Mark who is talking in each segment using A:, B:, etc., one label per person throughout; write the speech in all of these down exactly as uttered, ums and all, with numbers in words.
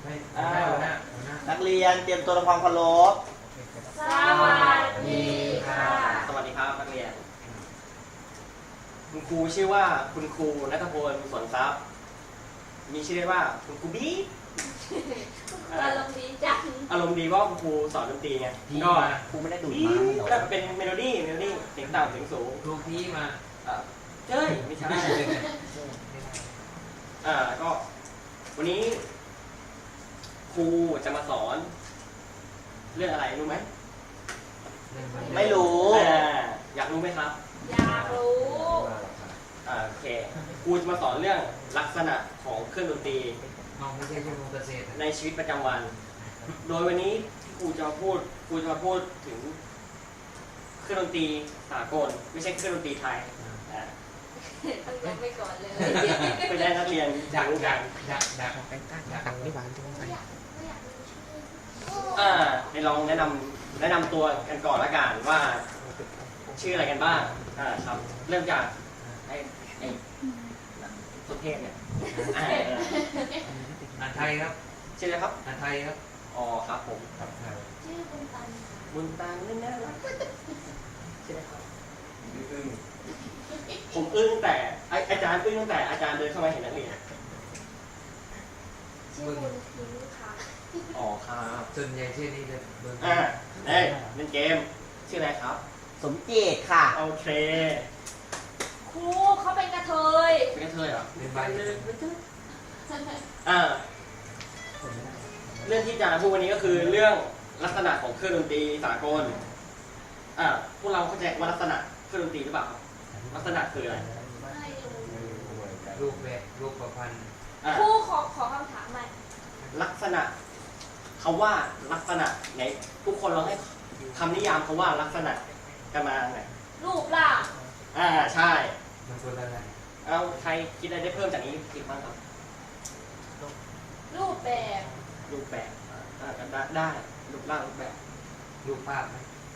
A: นักเรียนเตรียมตัวทำความเคารพ
B: สวัสดีค่ะ
C: สวัสดีครับนักเรียนคุณครูชื่อว่าคุณครูณัฐพลสวนทรัพย์มีชื่อเรียกว่าคุณครูบี้
B: อารมณ์ดีจัง
C: อารมณ์ดีเพราะคุณครูสอนดนตรีไงก็
A: ครูไม่ได้ดูด
C: มา
A: มา
C: เป็นเมโลดี้เมโลดี้เสียงต่ำเสียงสูง
D: ครูพี่มา
C: เจ้ยไม่ใช่อ่าก็วันนี้ครูจะมาสอนเรื่องอะไรรู้ไหม
A: ไม่รู้
C: อยากรู้ไหมครับ
B: อยากรู้
C: อ่าโอเคครูจะมาสอนเรื่องลักษณะของเครื่องดนตรีในชีวิตประจำวันโดยวันนี้ที่ครูจะมาพูดครูจะมาพูดถึงเครื่องดนตรีสากลไม่ใช่เครื่องดนตรีไทย
B: ต้องยกไปก่อนเลย
C: ไปได้นักเรียน
D: อยาก
C: รู้กัน
D: อยากอยาก
A: อยากไม่หวานจังเลย
C: อ่าให้ลองแนะนำแนะนำตัวกันก่อนละกันว่าชื่ออะไรกันบ้างอ่าครับเริ่มจากไอ้ไอ้สุเทพเนี่ยอ่า
D: อ่านไทยครับ
C: ชื่ออะไรครับ
D: อ่านไทยครับ
C: อ๋อครับผม
B: ชื่อบุญตัน
C: บุญตันนี่น่ารักใช่ไหมครับอึ้งผมอึ้งแต่อาจารย์อึ้งตั้งแต่อาจารย์เดินเข้ามาเห็นนักเรียน
B: ชื่อบุญทิ้งค่ะ
C: อ๋อครับ
D: ส่วนใหญ่ชื่อนี้เลย
C: อ่าเอ้ยเล่นเกมชื่ออะไรครับ
A: สมเจตค่ะ
C: โอเค
B: ครูเขาเป็นกระเทย
C: เป็นกระเทยเหรอ
D: เป็นใบ
C: อ่าเรื่องที่จะพูดวันนี้ก็คือเรื่องลักษณะของเครื่องดนตรีสากลอ่าพวกเราเข้าใจว่าลักษณะเครื่องดนตรีหรือเปล่าลักษณะคืออะไร
D: รูปแบบรูปประพันธ์
B: ครูขอขอคำถามใหม่
C: ลักษณะคำว่าลักษณะไหนทุกคนลองให้คำนิยามคำว่าลักษณะกันมาหน่อย
B: รูปร่าง
C: อ่าใช่
D: มันเป็นอะไร
C: เอาใครคิดอะไรได้เพิ่มจากนี้คิดบ้างครับ
B: รูปแบบ
C: รูปแบบอ่าได้ได้รูปร่างรูปแบบ
D: รูปภาพไหม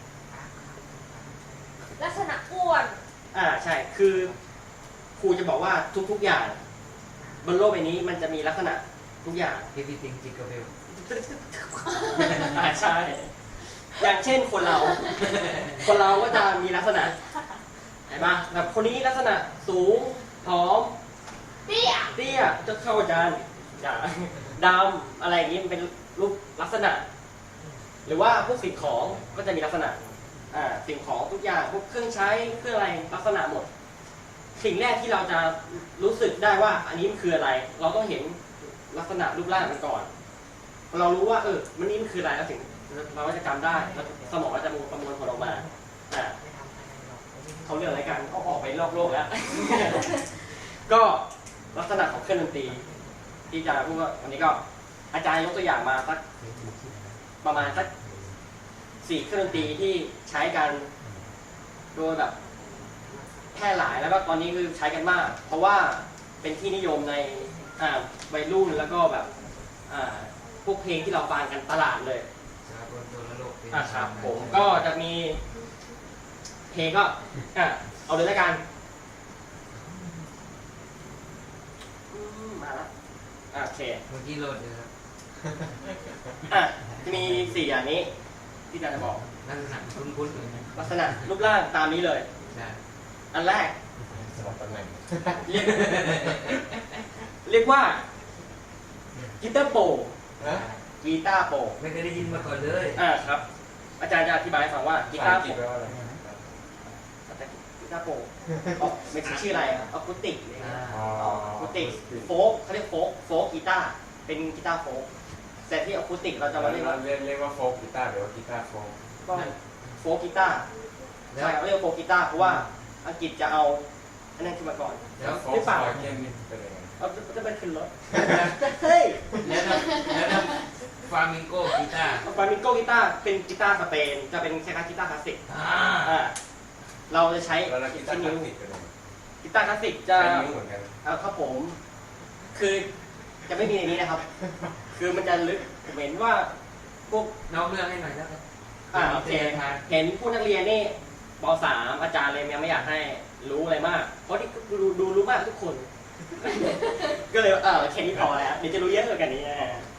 B: ลักษณะอ้วน
C: อ่าใช่คือครูจะบอกว่าทุกๆอย่างบนโลกใบนี้มันจะมีลักษณะทุกอย่าง
D: everything jingle bell
C: อ่าใช่อย่างเช่นคนเราคนเราก็จะมีลักษณะเห็นปะแบบคนนี้ลักษณะสูงผอม
B: เตี้ย
C: เตี้ยจะเข้าอาจารย์ดำอะไรอย่างนี้มันเป็นรูปลักษณะหรือว่าพวกสิ่งของก็จะมีลักษณะอ่าสิ่งของทุกอย่างพวกเครื่องใช้เครื่องอะไรลักษณะหมดสิ่งแรกที่เราจะรู้สึกได้ว่าอันนี้มันคืออะไรเราต้องเห็นลักษณะรูปร่างมันก่อนเรารู้ว่าเออมันนี่มันคืออะไรแล้วถึงเราก็จะจำได้แล้วสมองก็จะประมวลผลออกมาอ่าเขาเรื่องอะไรกันเขาออกไปรอบโลกแล้ว ก็ลักษณะของเครื่องดนตรีที่อาจารย์พูดว่าวันนี้ก็อาจารย์ยกตัวอย่างมาสักประมาณสักสี่เครื่องดนตรีที่ใช้กันโดยแบบแพร่หลายแล้วก็ตอนนี้คือใช้กันมากเพราะว่าเป็นที่นิยมในอ่าวัยรุ่นแล้วก็แบบอ่าพวกเพลงที่เราฟังกันตลาดเลยอ่าครับผมก็จะมีเพลงก็อ่ะเอาเลยแล้วกันมาแล้วโอเค
D: เมื่อกี้โหลดเลยครับ
C: อ่ะจะมีสี่อย่างนี้ที่อาจารย์จะบอก
D: ลักษณะคุ้นๆเลย
C: ลักษณะรูปร่างตามนี้เลยอันแรก
A: สลับตำแหน่ง
C: เรียกเรียกว่ากีตาร์โปร่งกีตาร์โปร่ง
D: ไม่เคยได้ยินมาก่อนเลย
C: อ่าครับอาจารย์จะอธิบายให้ฟังว่ากีตาร์โปร่งกีตาร์โปร่งไม่ใช่ชื่ออะไรอะคูติกอะคูติกโฟกเขาเรียกโฟกโฟกกีตาร์เป็นกีตาร์โฟกแต่ที่อะคูติกเราจะมาเรียกว่า
A: เรียกเรียกว่าโฟกกีตาร์หรือว่ากีตาร์โฟก
C: ก็โฟกกีตาร์ใช่เขาเรียกโฟกกีตาร์เพราะว่าอังกฤษจะเอาอันนั้นขึ้นมาก่อน
A: ไม่เปล่าเกมนี้เป็นยังไง
C: เอาจะไปขึ้นรถเฮ้ย
D: แล้วแล้วฟามิงโกกีตาร์
C: ฟามิงโกกีตาร์เป็นกีตาร์สเปนจะเป็นคล้ายๆกีตาร์คลาสสิกอ่าเราจะใช้
A: กีตาร์คลาสสิก
C: กีตาร์คลาสสิกจะเอาครับผมคือจะไม่มีในนี้นะครับคือมันจะลึกเหมือนว่าพวก
D: น้องเลือกให้หน่อยแล้วกัน
C: อ่าโอเคเห็นผู้นักเรียนนี่ป.สาม อาจารย์เลยยังไม่อยากให้รู้อะไรมากเพราะที่ดูดูรู้มากทุกคนก็เลยเออแค่นี้พอแล้วเดี๋ยวจะรู้เยอะกว่านี้นะ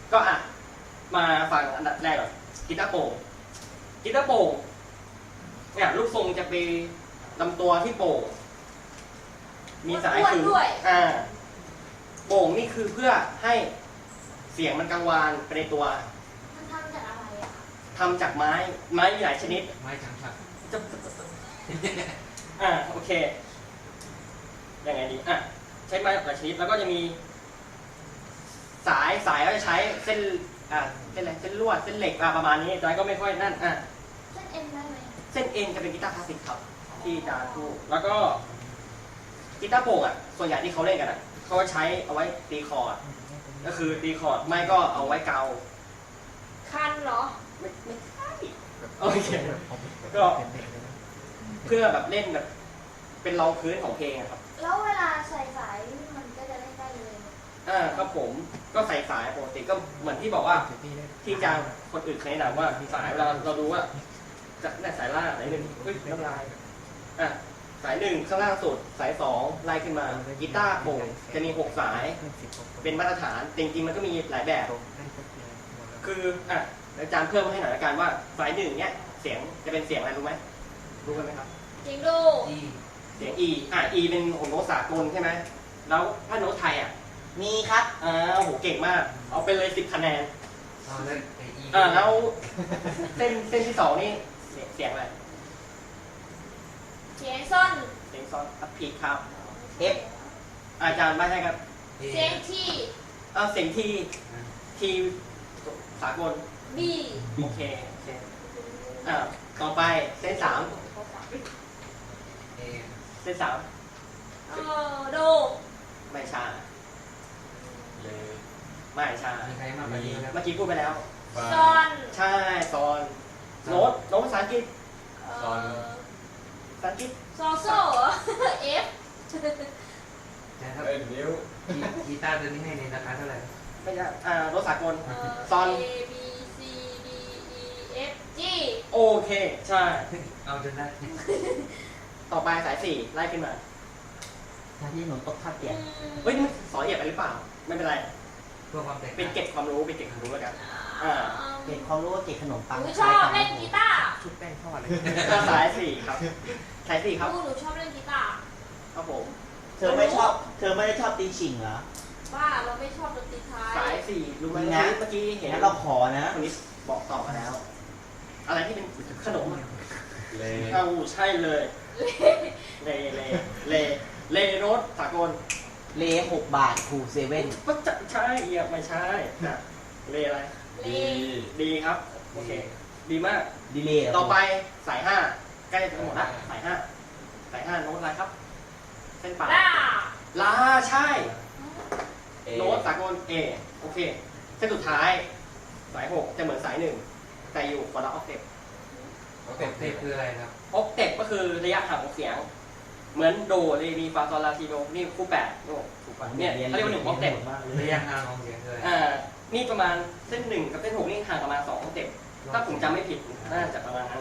C: ก็อ่ะมาฟังอันดับแรกก่อนกีตาร์โปร่งกีตาร์โปร่งเนี่ยลูกทรงจะไปลำตัวที่โปร่งมีสาย
B: อ้วน
C: คือ
B: ด้วย
C: อ่าโป่งนี่คือเพื่อให้เสียงมันกังวานไปในตัว
B: มันทำจากอะไรอะคะ
C: ทำจากไม้ไม้มีหลายชนิด
D: ไม้จังฉัก
C: จะอ่าโอเคยังไงดีอ่ะใช้ไม้หลายชนิดแล้วก็จะมี สายสายก็จะใช้เส้นอ่าเส้นอะไรเส้นลวดเส้นเหล็กอ่ะประมาณนี้จอยก็ไม่ค่อยนั่นอ่ะ
B: เส้นเอ็นได้ไหม
C: เส้นเอ็นจะเป็นกีตาร์คลาสสิกครับที่จานพูดแล้วก็กีตาร์โปร่งอ่ะส่วนใหญ่ที่เขาเล่นกันอ่ะเขาใช้เอาไว้ตีคอร์ดก็คือตีคอร์ดไม่ก็เอาไว้เกา
B: คันเหรอ
C: ไม่ไม่ใช่โอเคก็เพื่อแบบเล่นแบบเป็นรองพื้นของเพลงอะครับ
B: แล้วเวลาใส่สายมันก็จะเล่นได้เลย
C: อ่าครับผมก็ใส่สายปกติก็เหมือนที่บอกว่าที่จางคนอื่นเคยแนะนำว่าสายเวลาเราดูว่าจะได้สายล่างสายหนึ่งเฮ้ยน้ำลายอ่ะสายหนึ่งข้างล่างสุดสายสองไล่ขึ้นมากีตาร์โปร่งจะมีหกสายเป็นมาตรฐานจริงๆมันก็มีหลายแบบ คืออ่ะอาจารย์เพิ่มให้หน่อยละกันว่าสายหนึ่งเนี่ยเสียงจะเป็นเสียงอะไรรู้ไหมรู้กันไหมครับ
B: จริงดู
D: อี
C: เสียง E อ่ะ E เป็นของโน้ตสากลใช่ไหมแล้วถ้าโน้ตไทยอ่ะ
E: มีครับ
C: อ่าโอ้โหเก่งมาก เอาไปเลยสิบคะแนน
D: เอาแล้วไออี
C: อ่าแล้วเส้นเส้นที่สองนี่เสียงเสียงอะไร
B: เสียงส้น
C: เสียงซ้อนอัพพีครับ
E: F
C: อาจารย์ไม่ใช่ครับ
B: เสียงที่
C: อ่าเสียงทีทีสากล
B: บี
C: โอเคโอเคอ่าต่อไปเส้นสาม
D: เอ
C: เส้นสาม
B: เออโด
C: ไม่ใช่
A: เลย
C: ไม่ใช่
D: มีใครมากกว่านี้ครับ
C: เมื่อกี้พูดไปแล้ว
A: ฟา
B: ซอน
C: ใช่ซอนโน้ตโน้ตภาษาอังกฤษ
B: เอ
A: ซอน
B: อ
C: ภาษาอังกฤษ
B: ซอโซ่เหรอ เอฟ
D: ใช่ครับ
A: เอ้ยนิ้ว
D: กีกีตาร์ตัวนี้ให้ในราคาเท่าไหร่
C: ไม่ใช่อ่าโน้ตสากล
B: เออ
C: ซอน
B: A B C D E F G
C: โอเค ใช่
D: เอาจนได้
C: ต่อไปสายสี่ไล่ขึ้นมา
E: ถ้าที่หนูตกท่าเตียง
C: เฮ้ยนี่มันสอนละเอียดไปหรือเปล่า ไม่เป็นไร
D: เพื่อความแตก
C: เป็นเก็บความรู้เป็นเก็บความรู้แล้วกัน อ่า
E: เก็บความรู้ว่าเก็บขนมปัง
B: หนูชอบเล่นกีตาร์
E: ชุดแป้งทอดเลย
C: ก็สายสี่ครับ สายสี่ครับ
B: ลูกหนูชอบเล่นกีตาร์
C: ครับผม
E: เธอไม่ชอบ เธอไม่ได้ชอบตีฉิงเหรอ
B: บ้าเราไม่ชอบดนตรีไท
C: สาย
B: ย
C: สี่รู้ไหม
E: นะ
C: เมื่อกี้เห็น
E: งั้นเราขอนะ
C: คนนี้บอกต่อมาแล้ว อะไรที่เป็นขนมอะ
A: เลย
C: เอาใช่เลย เล เล เล เลโรสสากล
E: เลหกบาทครูเซเว่น
C: ก็จะใช่เอียไม่ใช่นะเลอะไร
B: เล
A: ดี
C: ดีครับ โอเค ดีมาก
E: ดีเลย์เหร
C: ต่อไปสายห้าใกล้จะหมดละสายห้าสายห้าโน้ตอะไรครับ เส้นปลาย
B: ล่า
C: ลาใช่
A: เอ
C: โน้ตสากล A โอเค เส้นสุดท้ายสายหกจะเหมือนสายหนึ่งแต่อยู่คนละออกเทป
A: เขา
D: เต็
A: เต็
D: ม
A: ม
D: เท
A: เต็
D: ป
A: ม
D: คืออะไรครับ
C: ออกเทปก็คือระยะห่างของเสียง เหมือนโดเรมีฟาซอลลาทีโดนี่คู่แปดโอ้ถูกป่ะเนี่ยเขาเรียกว่าหนึ่งออกเทป
E: มากเล
D: ระ
E: ย
D: ยะห่างของเสียงคืออะไร
C: อ่านี่ประมาณเส้นหนึ่งกับเส้นหกนี่ห่างประมาณสองออกเทปถ้าผมจำไม่ผิดน่าจะประมาณนั้น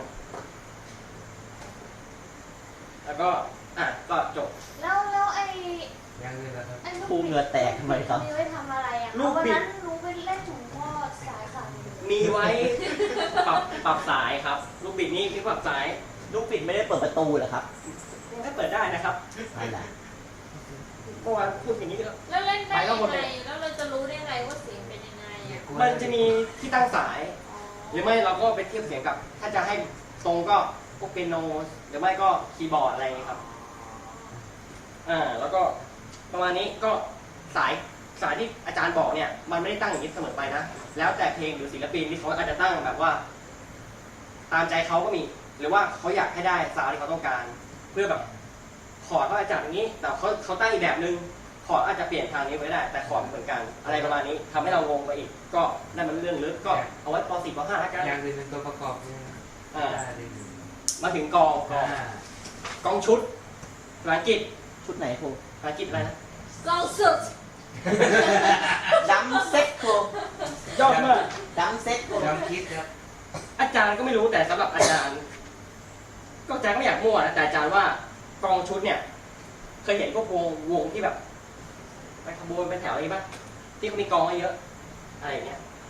C: แล้วก็อ่ะก็จบ
B: แล้วแล้วไอ้
D: ยังอื่นนะครับ
B: ไอ้ลูก
E: ครูเหงื่อแตกทำไมครับ
B: มีไว้ทำอะไรอ่ะ
C: ลูก
B: วัน
C: บิด
B: นั้นหนูไปเล่นถุงทอดสายขาดอยู่
C: มีไว้ปรับปรับสายครับ ลูกบิดนี่คือปรับสาย
E: ลูกปิดไม่ได้เปิดประตูเหรอครับ
C: ถ้าเปิดได้นะครับ
E: นั่นแหละ
C: เมื่อวานพูดอย่างนี้ก็
B: แล้วเล่นได้
C: ไปก็
B: ยัง
C: หมด
B: ไง
C: เลย
B: แล้วเราจะรู้ได้ไงว่าเสียงเป็นยังไงอ่ะ
C: มันจะมีที่ตั้งสาย
B: อ๋อ
C: หรือไม่เราก็ไปเทียบเสียงกับ ถ้าจะให้ตรงก็พวกเปียโน หรือไม่ก็คีย์บอร์ดอะไรอย่างนี้ครับ อ่า แล้วก็ประมาณนี้ก็สายสายที่อาจารย์บอกเนี่ย มันไม่ได้ตั้งอย่างนี้เสมอไปนะ แล้วแต่เพลงหรือศิลปินที่เขาอาจจะตั้งแบบว่า ตามใจเขาก็มี หรือว่าเขาอยากให้ได้ซาวด์ที่เขาต้องการ เพื่อแบบคอร์ดเขาอาจจะอย่างนี้ แต่เขาเขาตั้งอีกแบบนึง คอร์ดอาจจะเปลี่ยนทางนี้ไว้ได้ แต่คอร์ดเหมือนกัน อะไรประมาณนี้ทำให้เรางงไปอีก ก็นั่นมันเรื่องลึก ก็เอาไว้ป .สี่ ป .ห้า แล้วกัน
D: อย่างอื่นเป็นตัวประกอบใช่ไหม
C: อ่า
D: ได้เลย
C: มาถึงกองกอง
D: อ่าก
C: องชุดภาษาอังกฤษ
E: ชุดไหนครู
C: ภาษาอังกฤษอะไรนะ
B: กองสุด
E: ดัมเซ็ตครู
C: ยอดมาก
E: ดัมเซ็ตครู
D: จำคิดครับ
C: อาจารย์ก็ไม่รู้แต่สำหรับอาจารย์ ก็อาจารย์ก็ไม่อยากมั่วนะแต่อาจารย์ว่ากองชุดเนี่ย เคยเห็นพวกวงวงที่แบบไปขบวนเป็นแถวอะไรป่ะที่เขามีกองเยอะๆอะไรอย่างเงี้ย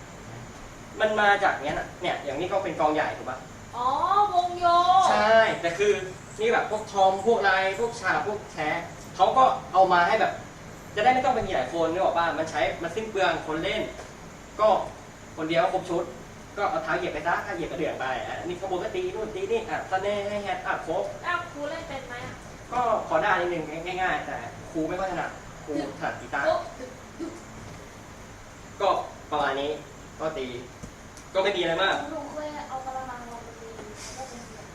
C: มันมาจากเนี้ยนะเนี่ยอย่างนี้ก็เป็นกองใหญ่ถูกปะ
B: อ๋อวงโย
C: ใช่แต่คือนี่แบบพวกทอมพวกอะไรพวกชาพวกแท้เขาก็เอามาให้แบบ จะได้ไม่ต้องเป็นมีหลายคนนึกออกป่ะมันใช้มันสิ้นเปลืองคนเล่น ก็คนเดียวครบชุด ก็เอาเท้าเหยียบไปซะถ้าเหยียบก็เดือดไปอ่ะนี่ขบวนก็ตีนู่นตีนี่อ่ะสเน่ให้แฮตอ่ะครบ
B: อ้าวครูเล่นเป็นไหมอ่ะ
C: ก็ขอได้นิดนึงง่ายๆ แต่ครูไม่ค่อยถนัดครูถนัดกีตาร์
B: โอ๊ะ
C: ก็ประมาณนี้ก็ตี ก็ไม่มีอะไรมาก
A: หนูเคยเอากระมังลงไปตีแล้วก็เป็นเสียง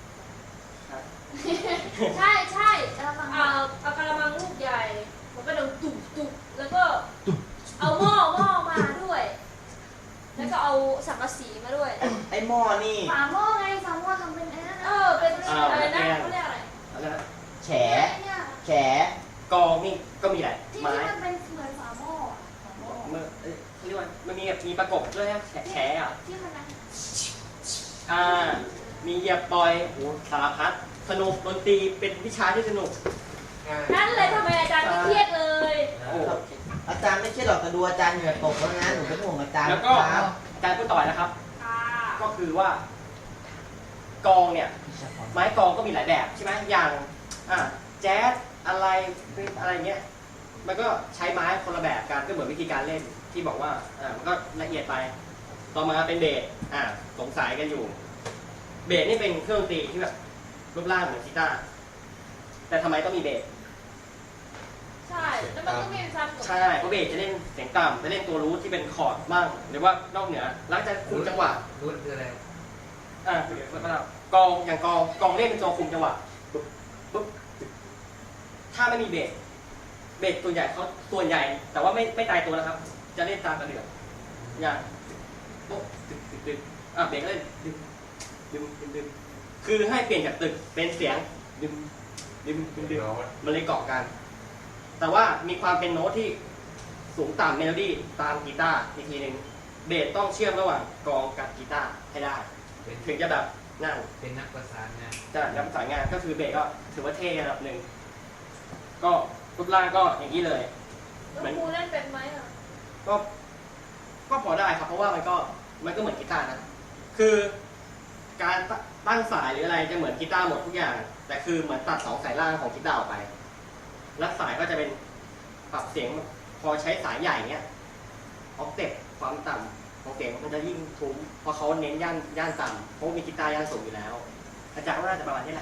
B: ใช่ใช่
A: กระมัง
B: เอาเอากระมังลูกใหญ่มันก็เดินตุบตุบแล้วก็เอาหม้อหม้อมาด้วย แล้วก็เอาสังกะสีมาด้วย
E: ไอ้ไอ้หม้อนี่
A: ฝาหม้อไงฝาหม้อทำเป็นไอ้นั่น
B: เอ
A: นะ
B: อเป็นอะไรนะเขาเรียกอะไร
C: อะไรนะ
E: แฉ
A: ไอ้เนี่ย
E: แฉ
C: กองนี่ก็มีแหละ
A: ที่
C: ไม้
A: ที่มันเป็นเหมือนฝาหม้ออะฝาหม้อ
C: เมื่อเอ้ยเขาเรียกว่ามันมีแบบมีประกบด้วยนะแฉแฉอ่ะ
A: ที่มันนั่น
C: อ่า มีเหยียบปล่อยโอ้โหสารพัดสนุกดนตรีเป็นวิชาที่สนุก
B: นั่นเลยทำไมอาจารย์ไม่เครียดเลย
C: โอ้โห
E: อาจารย์ไม่ใช่หรอกแต่ดูอาจารย์เหงื่อตกแล้วนะหนูเป็นห่วงอาจารย์
C: แล้วก็
E: ครับ
C: การพูดต่อนะครับ
B: ค่ะ
C: ก็คือว่า กองเนี่ย ไม้กองก็มีหลายแบบใช่ไหมอย่างอ่ะแจ๊สอะไรเป็นอะไรเงี้ย มันก็ใช้ไม้คนละแบบกันก็เหมือนวิธีการเล่นที่บอกว่าอ่ามันก็ละเอียดไป ต่อมาเป็นเบสอ่าสงสัยกันอยู่ เบสนี่เป็นเครื่องดนตรีที่แบบรูปร่างเหมือนกีตาร์แต่ทำไมต้องมีเบส
B: ใช่แล้วมันก็มีความกด
C: ใช่เพราะเบสจะเล่นเสียงต่ำจะเล่นตัวรูทที่เป็นคอร์ดบ้างหรือว่านอกเหนือแล้วจะคุมจังหวะ
D: รุ่นคืออะไร
C: อ่าเดี๋ยวก็แล้วกองอย่างกองกองเล่นเป็นตัวคุมจังหวะปุ๊บปุ๊บถ้าไม่มีเบสเบสส่วนใหญ่เขาส่วนใหญ่ แต่ว่าไม่ไม่ตายตัวนะครับ จะเล่นตามกระเดื่องอย่างโป๊ะตึกตึกตึกอ่ะเบสก็เล่นดึงดึงดึงดึงคือให้เปลี่ยนจากตึกเป็นเสียงดึงดึงดึงดึงมันเลยเกาะกัน แต่ว่ามีความเป็นโน้ตที่สูงต่ำเมโลดี้ตามกีตาร์อีกทีหนึ่งเบสต้องเชื่อมระหว่างกองกับกีตาร์ให้ได้
D: เป็น
C: ถึงจะแบบนั่ง
D: เป็นนักประสานงาน
C: จะย้ำสายงานก็คือเบสก็ถือว่าเท่ระดับหนึ่งก็รูปร่างก็อย่างนี้เลย
B: แล้วครูเล่นเป็นไหมอ่ะ
C: ก็ก็พอได้ครับเพราะว่ามันก็มันก็เหมือนกีตาร์นะคือการตั้งสายหรืออะไรจะเหมือนกีตาร์หมดทุกอย่าง แต่คือเหมือนตัดสองสายล่างของกีตาร์ออกไปแล้วสายก็จะเป็นปรับเสียงพอใช้สายใหญ่เนี้ยออกเต็ปความต่ำของเสียงมันจะยิ่งทุ้มเพราะเขาเน้นย่านย่านต่ำเพราะมีกีตาร์ย่านสูงอยู่แล้วอาจารย์ว่าน่าจะประมาณนี้แหละ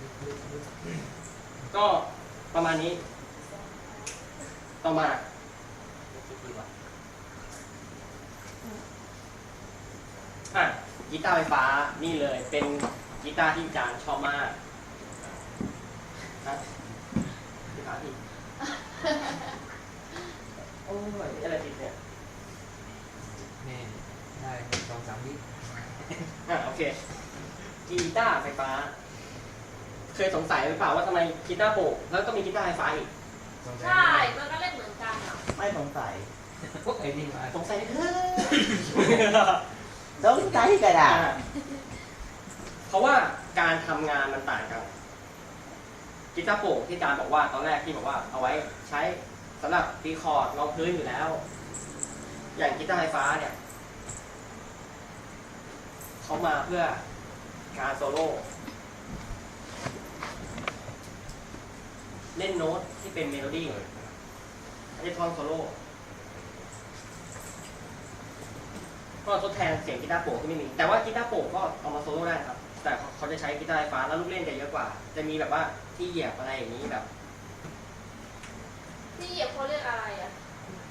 C: ก็ประมาณนี้ ต่อมาอ่ะกีตาร์ไฟฟ้านี่เลยเป็นกีตาร์ที่อาจารย์ชอบมากนะกีตาร์ที่โอ้ยอะไรติดเนี่ย
D: แม่ได้สองสามวิ
C: อ่ะโอเคกีตาร์ไฟฟ้า เคยสงสัยหรือเปล่าว่าทำไมกีตาร์โปร่งแล้วก็มีกีตาร์ไฟฟ้าอีก
B: ใช่มันก็เล่นเหมือนกันอ่ะ
E: ไม่สงสัย
D: พวกไอ้นี่มา
C: สงสัยเถอะ
E: สงสัยกระดาษ
C: เพราะว่าการทำงานมันต่างกันกีตาร์โปร่งที่อาจารย์บอกว่าตอนแรกที่บอกว่าเอาไว้ใช้สำหรับตีคอร์ดรองพื้นอยู่แล้ว อย่างกีตาร์ไฟฟ้าเนี่ยเขามาเพื่อการโซโล่เล่นโน้ตที่เป็นเมโลดี้ไม่ใช่ท่อนโซโล่ก็ทดแทนเสียงกีตาร์โปร่งที่ไม่มีแต่ว่ากีตาร์โปร่งก็เอามาโซโล่ได้ครับแต่เขาจะใช้กีตาร์ไฟฟ้าแล้วลูกเล่นจะเยอะกว่า จะมีแบบว่าที่เหยียบอะไรอย่างนี้แบบ
B: ที่เหยียบเขาเรียกอะไรอ่ะ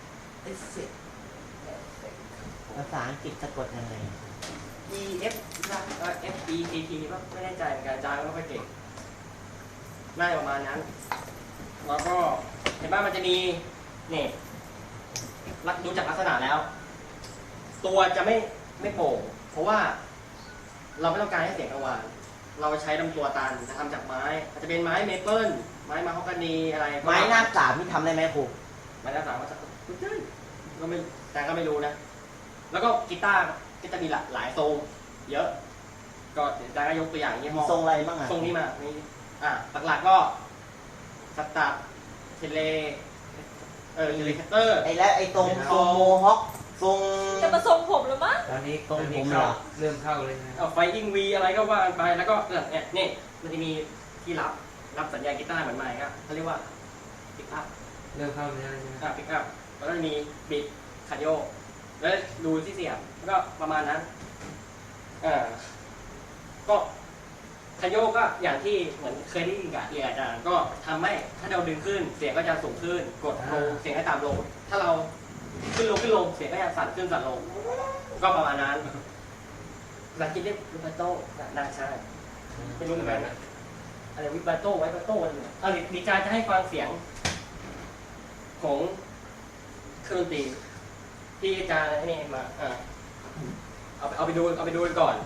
E: ภาษาอังกฤษสะกดยังไง
C: E F F E T T ก็ไม่แน่ใจเหมือนกันอาจารย์ก็ไม่ค่อยเก่งน่าจะประมาณนั้นแล้วก็เห็นว่ามันจะมีเนี่ยดูจากลักษณะแล้ว ตัวจะไม่ไม่โปร่งเพราะว่าเราไม่ต้องการให้เสียงกังวานเราใช้ลำตัวตันจะทำจากไม้อาจจะเป็นไม้เมเปิลไม้มาฮอกกานีอะไร
E: ไม้หน้าสามที่ทำได้ไหมครู
C: ไม้หน้าสามก็จะก็ไม่แต่ก็ไม่รู้นะ แล้วก็กีตาร์ก็จะมีหลายหลายทรงเยอะ ก็เดี๋ยวอาจารย์ก็ยกตัวอย่างยี่ห้อ
E: ทรงอะไรบ้างอ่ะ
C: ทรงนี้มานี่อ่ะหลักๆก็สตาร์เทเลเออเทเลคัตเตอร์
E: ไอ้และไอ้ตรงทรงโมฮอคทรง
B: จะมาทรงผมหรือมั้ง
D: ตอนนี้
E: ตรง
D: ตอนนี้
E: ผม
D: เข้า
E: เหรอ
D: เริ่มเข้าเลยนะ
C: เอาไฟอิงวีอะไรก็ว่ากันไปแล้วก็เนี่ยนี่มันจะมีที่รับรับสัญญาณกีตาร์เหมือนไมค์ก็เขาเรียกว่าปิกอัพ
D: เริ่มเข้าเนื้อเลยใช่ไหม
C: อ่าปิกอัพแล้วก็จะมีบิดคาร์ดิโอแล้วดูที่เสียงแล้วก็ประมาณนั้นอ่าก็คาร์ดิโอก็อย่างที่เหมือนเคยได้ยินกับเรียนอาจารย์ก็ทำให้ถ้าเราดึงขึ้นเสียงก็จะสูงขึ้นกดลงเสียงก็ตามลงถ้าเราขึ้นลงขึ้นลงเสียงก็จะสั่นขึ้นสั่นลงก็ประมาณนั้นภาษาอังกฤษเรียกวิบาโต้น่าใช่ไม่รู้เหมือนกันนะอะไรวิบาโต้ไวบาโต้อะไรเนี่ยเอาดีใจจะให้ฟังเสียงของเครื่องดนตรีที่อาจารย์ให้นี่มาอ่าเอาไปเอาไปดูเอาไปดูกันก่อน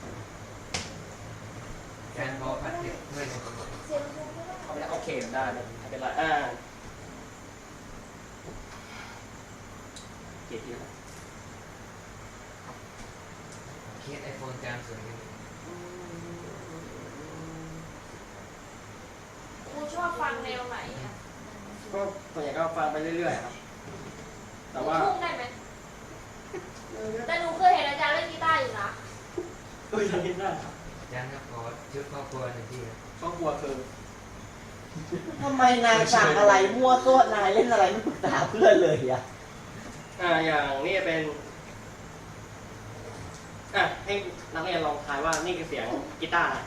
D: การพอพัดเนี่ยไม่ได้
A: เสียงสูงไม่ได้
C: เอาไปแล้วโอเคได้ไม่เป็นไรอ่าเกียรติ
D: เคสไอโฟนจานสวยกัน
B: ครูชอบฟังแนวไหนอ่ะ
C: ก็ส่วนใหญ่ก็ฟังไปเรื่อยๆครับ แต่ว่า
B: ลูกทุ่งได้ไหมแต่หนูเคยเห็นอาจารย์เล่นกีตาร์อยู่นะ
C: ก็ยังคิดได้ครับ
D: จานก็ขอชุดครอบครัวหนึ่งที่ครับ
C: ครอบครัวคือ
E: ทำไมนายสั่งอะไรมั่วตัวนายเล่นอะไรไม่ปรึกษาเพื่อนเลยอ่ะ
C: อ่าอย่างนี่เป็นอ่ะให้นักเรียนลองทายว่านี่คือเสียงกีตาร์อะไร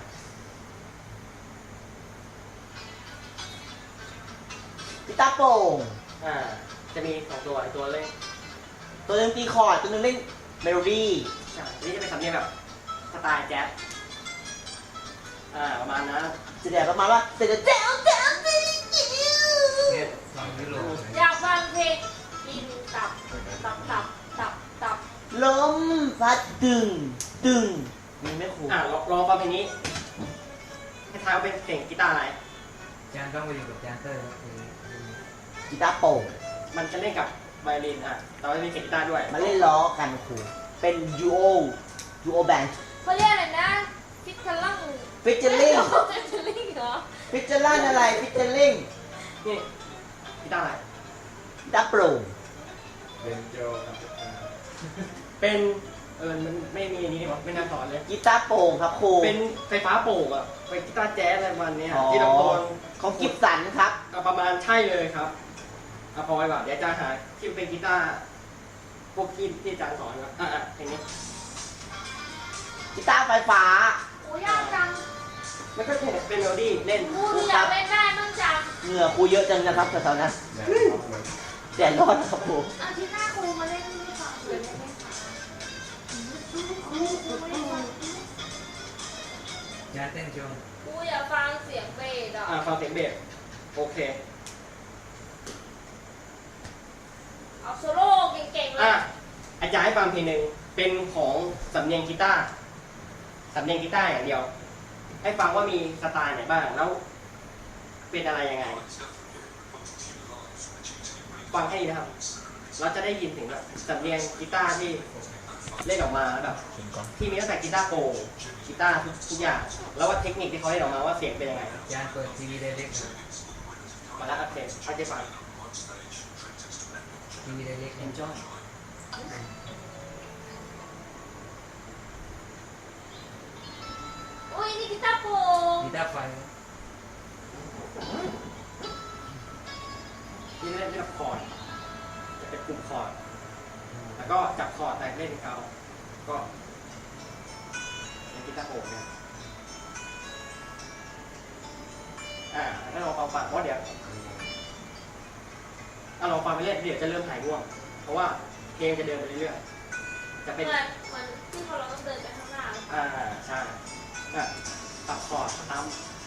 E: กีตาร์โปร่ง
C: อ่าจะมีสองตัวไอตัวเล่น
E: ตัวหนึงตีคอร์ดตัวหนึงเล่นเมโลดี้
C: อ่านี่จะเป็นสำเนียงแบบสไตล์แจ๊สอ่าประมาณนั้น
E: จะแบบประมาณว่าเสร็จแล้วเจ้าเจ้าเจ้า
D: เคสฟังยุโรป
B: อยากฟังเพลงกินตับตับตับตับตับ
E: ลมพัดตึงตึงนี่ไม่คุ้ม
C: อ่าลองลองฟังเพลงนี้ให้ทายว่าเป็นเสียงกีตาร์อะไร
D: จานต้องไปอยู่กับจานเตอร์ครับคือ
E: กีตาร์โปร่ง
C: มันจะเล่นกับไวโอลินอ่ะแต่ว่ามีเสียงกีตาร์ด้วย
E: มาเล่นล้อกันครูเป็นยูโอยูโอแบนด์
B: เขาเรียกอะไรนะฟิตเทลลัง
E: ฟิชเชอร์ลิง
B: ฟิตเทลลิงเหรอ
E: ฟิชเชอร์ลันอะไรฟิชเชอร์ลิง
C: นี่กีตาร์อะไร
E: กีตาร์โปร่ง
D: เป็นโจ
C: เป็นเออมันไม่มีอันนี้นี่หว่าไม่น่าสอนเลย
E: กีตาร์โปร่งครับครู
C: เป็นไฟฟ้าโปร่งอ่ะเป็นกีตาร์แจ๊สอะไรประมาณเนี้ย
E: อ๋อ
C: ที่ลำโพง
E: ของกิฟสันครับ
C: ก็ประมาณใช่เลยครับเอาพอไว้ก่อนเดี๋ยวอาจารย์หาที่เป็นกีตาร์พวกที่ที่อาจารย์สอนครับอ่ะอ่ะเพลงนี้
E: กีตาร์ไฟฟ้า
A: โอ้ยากจัง
C: แล้วก็เป็นเมโลดี้เล่น
B: ครูหนูอยากเล่นได้มั่งจัง
E: เหงื่อครูเยอะจังนะครับแถวๆนั้นแดดร้อนนะครับครู
A: อาทิตย์หน้าครูมาเล่นให้ฟังเลยได้ไหมคะครูครูไม่ได้ฟัง
D: จานเต้นโชว์
B: ครูอยากฟังเสียงเบสอ่ะ
C: อ่ะฟังเสียงเบสโอเค
B: เอาโซโล่เก่งๆเล
C: อ่ะ
B: ย
C: อาจารย์ให้ฟังเพลงหนึ่งเป็นของสำเนียงกีตาร์สำเนียงกีตาร์อย่างเดียว ให้ฟังว่ามีสไตล์ไหนบ้างแล้วเป็นอะไรยังไง ฟังให้ดีนะครับ เราจะได้ยินถึงแบบสำเนียงกีตาร์ที่เล่นออกมาแบบที่มีตั้งแต่กีตาร์โปร่งกีตาร์ทุกทุกอย่าง แล้วว่าเทคนิคที่เขาเล่นออกมาว่าเสียงเป็นยังไง
D: จานเปิดทีวีได้เล็กครับ
C: มาแล้วโอเคเอาใจฟัง
D: ทีวีได้เล็กครับ
C: enjoy
B: โอ้ยนี่กีตาร์โปร่ง
D: กีตาร์ไฟครับ
C: ที่เล่นเล่นกับคอร์ดจะเป็นกลุ่มคอร์ดแล้วก็จับคอร์ดแต่เล่นเขาก็เป็นกีตาร์โปร่งเนี่ยอ่าแล้วเราฟังฟังเพราะเดี๋ยวถ้าเราฟังไปเรื่อยเดี๋ยวจะเริ่มหายง่วงเพราะว่าเพลงจะเดินไปเรื่อยๆจะ
B: เห
C: เป็น
B: มือนเหมือนที่เราต้องเดินไปข้างหน้า
C: อ่าใช่อ่ะตับคอร์ดตาม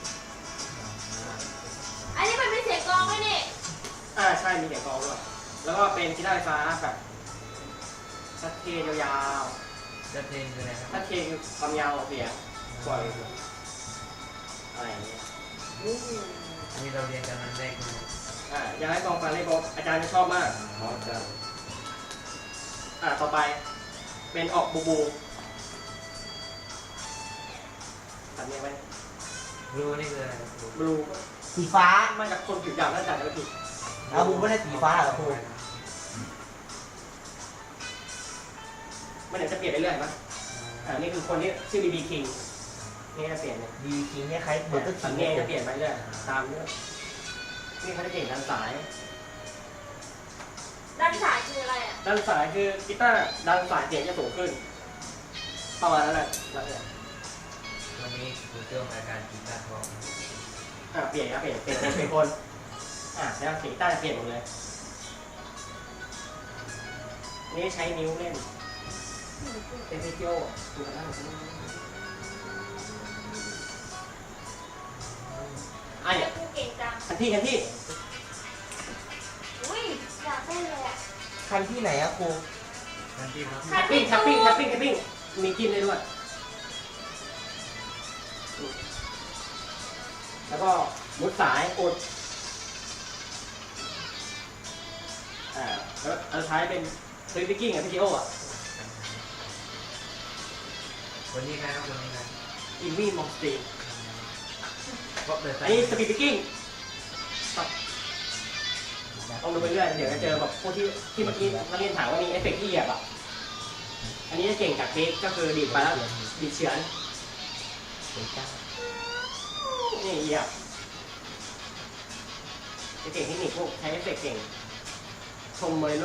B: อันนี้มันเป็นเสียงกลองไหมนี่
C: อ่าใช่มีเสียงกลองด้วยแล้วก็เป็นกีตาร์ไฟฟ้าแบบชัดเทนยาว
D: จะเต้นคืออะไรครับ
C: ๆชัดเทนคือความยาวของเสียงปล่อยอะไรอย่างเงี้ย
D: อันนี้เราเรียนกันวันแรกนะครับ
C: อ่าอยากให้ลองฟังเล่นบอกอาจารย์จะชอบมาก
D: อ๋อจะ
C: อ่าต่อไปเป็นออกบูบูทำยังไง
D: รู้นี่คืออะไรครับ
C: บลู
E: สีฟ้า
C: มาจากคนผิวดำน่าจะไม่ผิด
E: แล้วครูไม่ได้สีฟ้าเหรอครู
C: มันจะเปลี่ยนไปเรื่อยมั้ยอ่านี่คือคนที่ชื่อ บี บี King นี่จะเปลี่ยนเนี่ย
E: ดีคิงเนี่ยใครเบอร์เกอร์คิ
C: สั
E: ง
C: งเกตจะเปลี่ยนไปเรื่อยตามเรื่องนี่เขาจะเก่งด้านสาย
B: ด้านสายคืออะไรอ่ะ
C: ด้านสายคือกีตาร์ด้านสายเสียงจะสูงขึ้นประมาณนั้นแหละแล้วเนี่ย
D: วันนี้คุณเจ้ารายการกีตาร์ทอง
C: อ่าเปลี่ยนครับเปลี่ยนเปลี่ยนเป็นเป็นคนอ่าแล้วเสียงกีตาร์จะเปลี่ยนหมดเลยนี่ใช้นิ้วเล่นเป็นวิดีโอดูกันได้อ่ะ
B: เรี
C: เนี่ย ย
B: กกูเก่งจัง
C: คันที่คันที่
A: อุ้ยอยากเต้นเลยอ่ะ
E: คันที่ไหนอะครู
D: ทันทีครับ
C: แทปปิ้งแทปปิ้งแทปปิ้งแทปปิ้งมีจิ้มได้ด้วยแล้วก็มุดสายอุดอ่าแล้วเอาใช้เป็นสวิตช์กิ้งกับพีทีโออ่ะ
D: วันนี้นะครับวันนี้นะ
C: อินวี่มองสตี
D: ก็เดิน
C: อันนี้สปีดกิ้งต้องดูไปเรื่อยเดี๋ยวจะเจอแบบพวกที่ที่เมื่อกี้นักเรียนถามว่ามีเอฟเฟกต์ที่เหยียบอ่ะอันนี้จะเก่งจากเทคก็คือดีดไปแล้วดีดเฉือน
E: เสียงจ้า
C: นี่เหยียบจะเก่งเทคนิคพวกใช้เอฟเฟกต์เก่งชมเมโล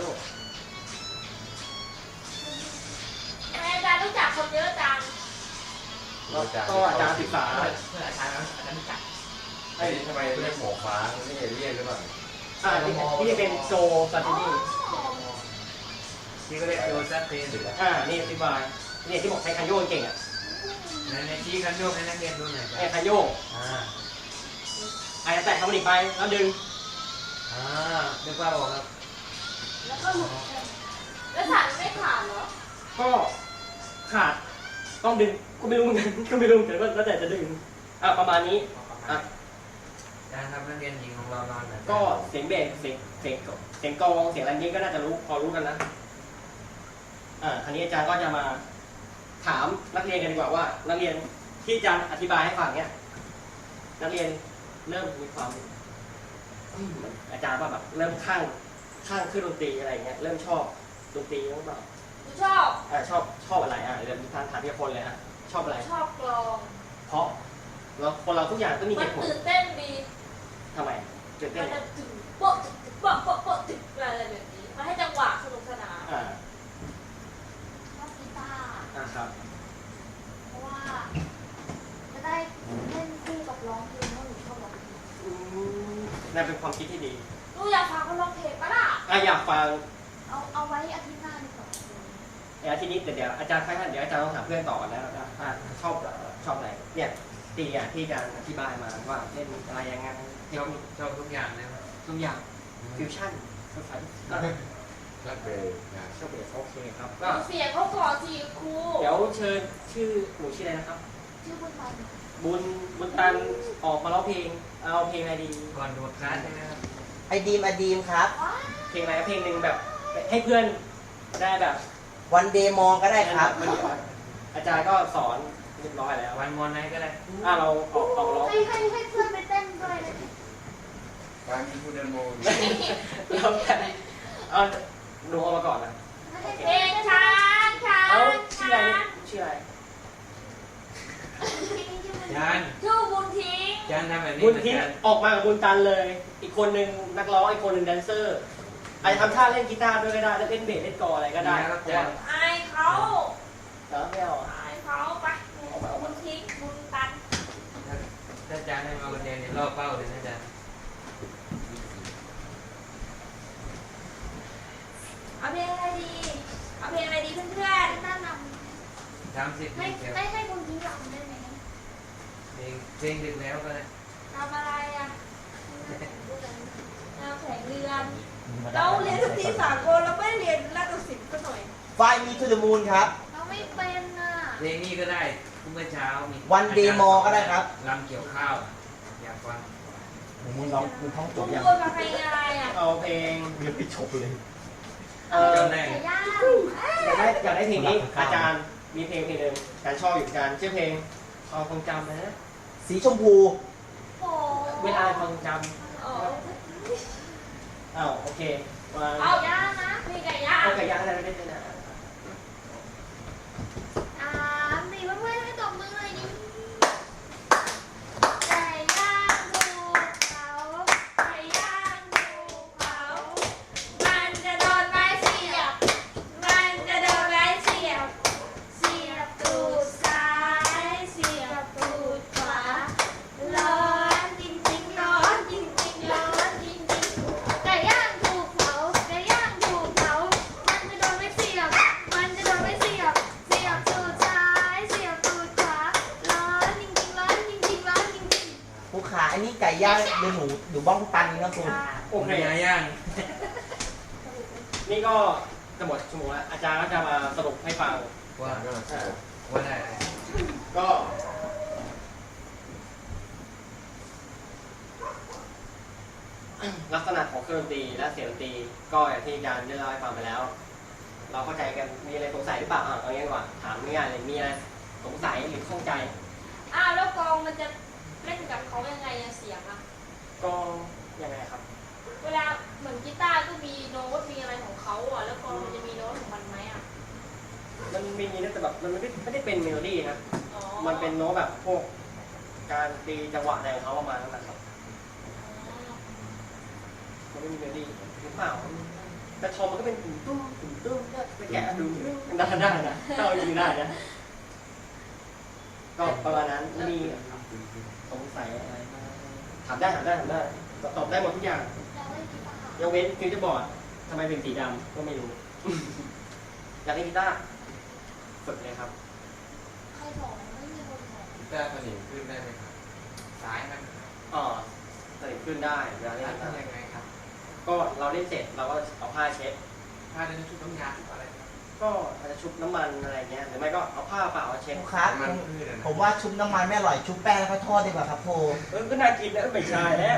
B: ทำไมอาจารย์รู้จักคนเยอะจัง
C: ก็อาจารย์ศึกษา
D: เพื่ออาจารย์อาจารย์จัด
F: ไอ้ทำไมเรียกหมอฟ้ามันไม่เอเลี่ยนหรือเปล่า
C: อ่าที่ที่จะเป็นโจซาตินี่
D: ที่ก็เรียกโยซัสเตน
C: อ่านี่อธิบายนี่ที่บอกใช้คันโยกเก่งอ่ะ
D: ในในที่กันโยกให้นักเรียนดูหน่อย
C: ไอ้คันโยก
D: อ่า
C: อาจจะแตะคำมันอีกไปแล้วดึง
D: อ่านึกว่าบอกครับ
B: แล้วก็หลุดแล้วสายมันไม่ขาดเหรอ
C: ก็ขาดต้องดึงก็ไม่รู้เหมือนกันก็ไม่รู้แต่ก็แล้วแต่จะดึงอ่ะประมาณนี้อ่ะ
D: อาจารย์ครับนักเรียนหญิงของเรานอนแบบ
C: ก็เสียงเบสเสียงเสียงเสียงกลองเสียงอะไรนี้ก็น่าจะรู้พอรู้กันนะอ่าคราวนี้อาจารย์ก็จะมาถามนักเรียนกันดีกว่าว่านักเรียนที่อาจารย์อธิบายให้ฟังเนี่ยนักเรียนเริ่มมีความอืมอาจารย์ว่าแบบเริ่มข้างข้างขึ้นดนตรีอะไรเงี้ยเริ่มชอบดนตรีหรือเปล่า
B: หนูชอบ
C: อ่าชอบชอบอะไรอ่ะเดี๋ยวทางถามทีละคนเลยอ่ะชอบอะไร
B: ชอบกลอง
C: เพราะเราคนเราทุกอย่างต้องมีเห
B: มัน
C: ตุผล
B: ตื่นเต้นดี
C: ทำไมตื่นเต้
B: มัน
C: น
B: จะถึงโป๊ะถึงโป๊ะโป๊ะโป๊ะถึงอะไรแบบนี้มันให้จังหวะสนุกสนาน
C: อ่า
A: ชอบกีตาร์
C: อ่าครับ
A: เพราะว่าจะได้เล่นคู่กับร้องเพลงเพราะหนูชอบร้องเพลง
C: อืมนั่นเป็นความคิดที่ดี
B: หนูอยากฟังเขาร้องเพลงปะล่ะ
C: อ่ะอยากฟัง
A: เอาเอาไว้อาทิตย์หน้าดีกว่า
C: เดี๋ยวทีนี้เดี๋ยวอาจารย์ให้ท่านเดี๋ยวอาจารย์ต้องถามเพื่อนต่อกันแล้วนะอ่ะชอบชอบอะไรเนี่ยตีอ่ะที่อาจารย์อธิบายมาว่าเล่นอะไรยังไงเท
D: ช
C: ค
D: อบ
C: นิค
D: ชอบทุกอย่างนะครับ
C: ทุกอย่างฟิวชั่นภาษาอ่ะ
F: รักเบย์นะ
C: ชอบเบสโอเคครับ
B: ห
C: ก็
B: นูเสียงเขาก่อนสิครู
C: เดี๋ยวเชิญชื่อหนูชื่ออะไรนะครับ
A: ชื่อบุญตัน
C: บุญบุญตันออกมาร้องเพลงเอาเพลงอะไรดี
D: ก่อนโดดคลาสใช่ไหมครับ
E: ไอดีมไอดีมครับ
A: ว้า
C: เพลงอะไรเพลงหนึ่งแบบให้เพื่อนได้แบบ
E: วันเดย์มองก็ได้ครับ
C: อาจารย์ก็สอนเรียบร้อยแล้ว
D: วันมอนไนก็ได้
C: อ่ะเราออกออกร้อง
A: ให้ให้ให้เพื่อนไปเต้นด้วยเลย
F: การมีผู้เดินโมง
C: แล้วแต่เอาดูเอามาก่อนนะ
A: ให้
B: เพลงช้างช้าง
C: เอาชื่ออะไร
B: ช้า
C: เนี่ย
B: ง
C: ชื่ออะไร
D: อาจารย์
B: ชื่อบุญทิ้ง
D: อาจารย์ทำแบบนี้
C: บุญ
D: เหมือน
C: ทิ้ง
D: กัน
C: ออกมากับบุญตันเลย อีกคนหนึ่งนักร้องอีกคนหนึ่งแดนเซอร์อาจจะทำท่าเล่นกีตาร์ด้วยก็ได้เล่นเบสเล่นกลองอะไรก็ได้
D: ครับ
C: เพ
D: อา
C: ราะ
D: จา
C: ว่าร
D: ย์
B: อายเขา
C: เออไม่เอาอ่ะ
B: อายเขาไปบุญทิ้งบุญตัน
D: ถ้าอาจารย์ให้มาคนเดียวเนี่ยล่อเป้าเลยนะอาจารย์
B: เอาเพลงอะไรดีเอาเพลงอะไรดีเพื่อน
A: น่าน
D: ทำสิบ
A: ำ
D: เพล
A: ให้
D: งเดียว
A: ให้ให้บุญทิ้งรำได้ไหม
D: เพลงเพลงดึกแล้วก็ได้
B: ๆทำอะไรอ่ะแนวแข่งเรือนเราเรียนดนตรีสากลเราไม่ได้เรียนนาฏศิลป์ซะหน่อย
E: ไฟมีทูเดอะมูนครับ
A: เราไม่เป็นอ่ะ
D: เพลงนี้ก็ได้เมื่อเช้ามี
E: วันเดย์มอก็ได้ครับ
D: ลำเกี่ยวข้าวอยากฟัง
E: มึงร้องมึงท่องจ
B: คุ
E: บ
B: ณ
E: ยัง
B: พูดมาเพลงอะไรอ่ะ
C: เอาเพลง
E: เรียนไปจบเลย
C: เออ
D: จำได้
A: ไก่ย่าง
C: อยากได้อยากได้เพลงนี้อาจารย์มีเพลงเพลงหนึ่งอาจารย์ชอบอยู่อาจารย์ชื่อเพลงความทรงจำนะ
E: สีชมพู
A: โอ้
C: เวลาความทรงจ
B: อ๋อ
C: ำอ้าวโอเควาง
B: เอา
A: ย่างนะ
B: เพลงไก่ย่าง
C: เอาไก่ย่างอะไรไม่ได้เลยนะ
E: ย่างเดี๋ยวหนูหนูบ้องตันนะคุณ
C: โอเค
D: ย่างย่าง
C: นี่ก็จะหมดชั่วโมงแล้วอาจารย์ก็จะมาสรุปให้ฟัง
D: ว่า
F: ก็
C: อ่า
D: ว่าได้
C: ก็ ลักษณะของเครื่องดนตรีและเสียงดนตรีก็อย่างที่อาจารย์ได้เล่าให้ฟังไปแล้ว เราเข้าใจกันมีอะไรสงสัยหรือเปล่าอ่ะเอางี้ดีกว่าถามง่ายๆเลยมีอะไรสงสัยหรือข้องใจ
B: อ้าวแล้วกลองมันจะเล่นกับเขายังไงอะเสียงอะ
C: ก็ยังไงครับ
B: เวลาเหมือนกีตาร์ก็มีโน้ตมีอะไรของเขาอะแล้วกลองมันจะมีโน้ตของมันไหมอะ
C: มันมีนะแต่แบบมันไม่ได้ไม่ได้เป็นเมโลดี้ครับ
B: อ๋อ
C: มันเป็นโน้ตแบบพวกการตีจังหวะอะไรของเขาประมาณนั้นนะครับ
B: อ๋อ
C: มันไม่มีเมโลดี้หรือเปล่าแต่ทอมมันก็เป็นตุ่มตุ้มตุ่มตุ้มเนี่ยไปแกะดูได้ได้นะถ้าเอาจริงได้นะก็ประมาณนั้นมีสงสัยอะไรไหมถามได้ถามได้ถามได้ตอบได้หมดทุกอย่าง
A: เราเล่นกีตาร์
C: ยกเว้นฟิวเจอร์บอร์ดทำไมเป็นสีดำก็ไม่รู้ อยากเล่นกีตาร์ฝึกเลยครับ
A: ใครสอนไม่มีคนสอน
F: กีตาร์สนิมขึ้นได้ไหมครับ
D: สายมัน
C: อ๋อสนิทขึ้นได้เวลาเล่น
D: ทำ
C: กีตาร์
D: ยังไงครับ
C: ก็เราเล่นเสร็จเราก็เอาผ้าเช็ด
D: ถ้าเดินชุดน้ำยาชุดอะไรครับ
C: ก็อาจจะชุบน้ำมันอะไรเงี้ยหรือไม่ก็เอาผ้าเปล่าเช็ด
E: ครูครับ
F: มันพืชอะนะ
E: ผมว่าชุบน้ำมันไม่อร่อยชุบแป้งแล้วก็ทอดดีกว่าครับโพ
C: เออก็น่ากินแล้วไม่ใช่แล้ว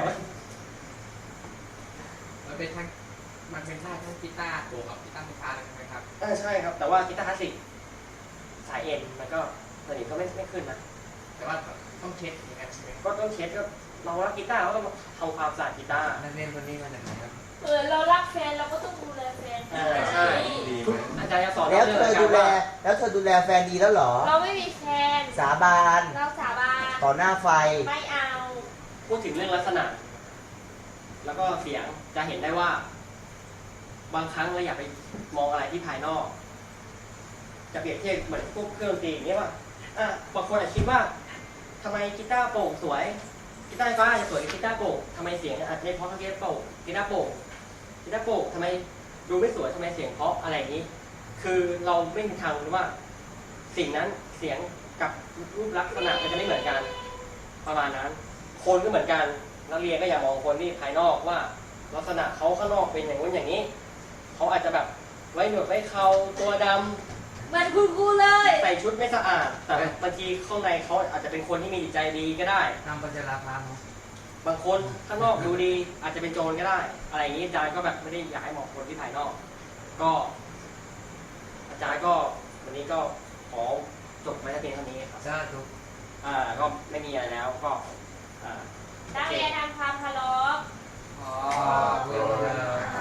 D: มันเป็นทั้งมันเป็นท่าทั้งกีตาร์บวกกับกีตาร์ไฟฟ้าเลยใช่ไหมครับ
C: เออใช่ครับ แต่ว่ากีตาร์คลาสสิกสายเอ็นมันก็สนิทก็ไม่ไม่ขึ้นนะ
D: แต่ว่าต้องเช็ดอย่างนั้นใช่ไหม
C: ก็ต้องเช็ดก็เรารักกีตาร์ก็ต้องทำความสะอาดกีตาร์
D: นักเรียนคนนี้มาจากไหนครับ
B: เออเรารักแฟนเราก็ต้องดูแลแฟน
C: เออใช่
F: ดีไหม
C: อาจารย์จะสอน
E: แล้ว
C: เรื่
E: เธ
C: อง
E: อ
C: การ
E: ดูแล
C: ว่า
E: แล้วเธอดูแลแฟนดีแล้วเหรอ
B: เราไม่มีแฟน
E: สาบาน
B: เราสาบาน
E: ต่อหน้าไฟ
B: ไม่เอา
C: พูดถึงเรื่องลักษณะ แล้วก็เสียงจะเห็นได้ว่า บางครั้งเราอยากไปมองอะไรที่ภายนอก จะเปรียบเทียบเหมือนพวกเครื่องดนตรีอย่างเงี้ยว่าอ่ะบางคนอาจคิดว่าทำไมกีตาร์โปร่งสวยกีตาร์ไฟฟ้าอาจจะสวยกว่ากีตาร์โปร่งทำไมเสียงอาจจะไม่เพราะเท่ากีตาร์โปร่งกีตาร์โปร่งกีตาร์โปร่งทำไมดูไม่สวยทำไมเสียงเพราะอะไรอย่างนี้ คือเราไม่มีทางรู้ว่า สิ่งนั้นเสียงกับรูปลักษณะมันจะไม่เหมือนกัน ประมาณนั้น คนก็เหมือนกันนักเรียนก็อย่ามองคนที่ภายนอกว่า ลักษณะเขาข้างนอกเป็นอย่างนู้นอย่างนี้เขาอาจจะแบบไว้หนวดไว้เขาตัวดำ
B: เหมือนคุณครูเลย
C: ใส่ชุดไม่สะอาด แต่บางทีข้างในเขาอาจจะเป็นคนที่มีจิตใจดีก็ได้
D: ตามปัญญาลาพาเนาะ
C: บางคนข้างนอกดูดี อาจจะเป็นโจรก็ได้ อะไรอย่างนี้อาจารย์ก็แบบไม่ได้อยากให้มองคนที่ภายนอก ก็ อาจารย์ก็วันนี้ก็ขอจบไว้แต่เพียงเท่านี้ครับ
D: จ้าทุก
C: อ่าก็ไม่มีอะไรแล้วก็อ่า
B: นักเรียนทำความเคารพ
D: อ๋อเวลา